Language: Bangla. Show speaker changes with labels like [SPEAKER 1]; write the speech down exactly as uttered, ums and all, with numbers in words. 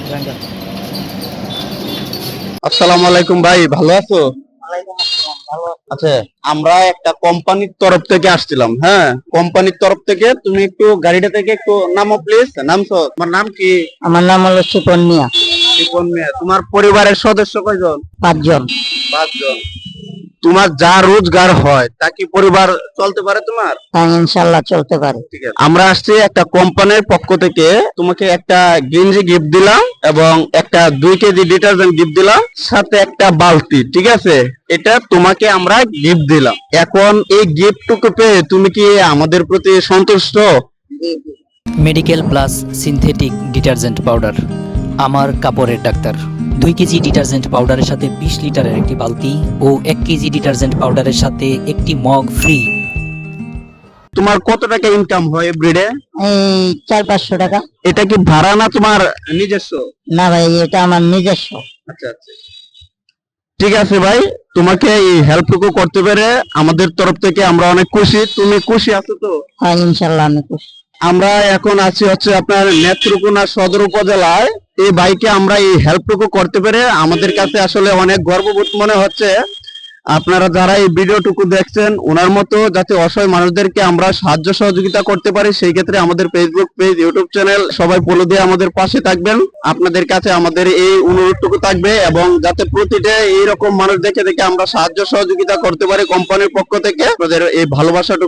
[SPEAKER 1] আসসালামু আলাইকুম ভাই, ভালো আছো? আচ্ছা, আমরা একটা কোম্পানির তরফ থেকে আসছিলাম। হ্যাঁ, কোম্পানির তরফ থেকে তুমি একটু গাড়িটা থেকে একটু নামো প্লিজ। নামছো? তোমার নাম কি?
[SPEAKER 2] আমার নাম হলো সুপন মিয়া।
[SPEAKER 1] শিপন মিয়া। তোমার পরিবারের সদস্য কয়জন?
[SPEAKER 2] পাঁচজন।
[SPEAKER 1] পাঁচজন। তোমার যা রোজগার হয় তা কি পরিবার চলতে পারে তোমার?
[SPEAKER 2] হ্যাঁ, ইনশাল্লাহ চলতে পারে।
[SPEAKER 1] ঠিক আছে, আমরা আসছি একটা কোম্পানির পক্ষ থেকে তোমাকে একটা গেঞ্জি গিফট দিলাম এবং একটা দুই কেজি ডিটারজেন্ট গিফট দিলাম, সাথে একটা বালতি। ঠিক আছে, এটা তোমাকে আমরা গিফট দিলাম। এখন এই গিফটটুকু পেয়ে তুমি কি আমাদের প্রতি সন্তুষ্ট?
[SPEAKER 3] Medical plus synthetic detergent powder, আমার কাপড়ের ডাক্তার। দুই কেজি ডিটারজেন্ট পাউডারের সাথে বিশ লিটারের একটি বালতি ও এক কেজি ডিটারজেন্ট পাউডারের সাথে একটি মগ ফ্রি।
[SPEAKER 1] তোমার কত টাকা ইনকাম হয় এভরিডে?
[SPEAKER 2] এই চার পাঁচশো টাকা।
[SPEAKER 1] এটা কি ভাড়া না তোমার নিজস্ব?
[SPEAKER 2] না ভাই, এটা আমার নিজস্ব।
[SPEAKER 1] আচ্ছা আচ্ছা, ঠিক আছে ভাই, তোমাকে এই হেল্পটুকু করতে পেরে আমাদের তরফ থেকে আমরা অনেক খুশি। তুমি খুশি আছো তো?
[SPEAKER 2] হ্যাঁ, ইনশাল্লাহ আমি খুশি।
[SPEAKER 1] আমরা এখন আছি হচ্ছে আপনার নেত্রকোনা সদর উপজেলায়। এই বাইকে আমরা এই হেল্পটুকু করতে পেরে আমাদের কাছে আসলে অনেক গর্ববোধ মনে হচ্ছে। আপনারা যারা এই ভিডিওটুকু দেখছেন, ওনার মতো যাতে অসহায় মানুষদেরকে আমরা সাহায্য সহযোগিতা করতে পারি, সেই ক্ষেত্রে আমাদের ফেসবুক পেজ, ইউটিউব চ্যানেল সবাই ফলো দিয়ে আমাদের পাশে থাকবেন। আপনাদের কাছে আমাদের এই অনুরোধটুকু থাকবে, এবং যাতে প্রতিটা এইরকম মানুষ দেখে দেখে আমরা সাহায্য সহযোগিতা করতে পারি কোম্পানির পক্ষ থেকে, আপনাদের এই ভালোবাসাটুকু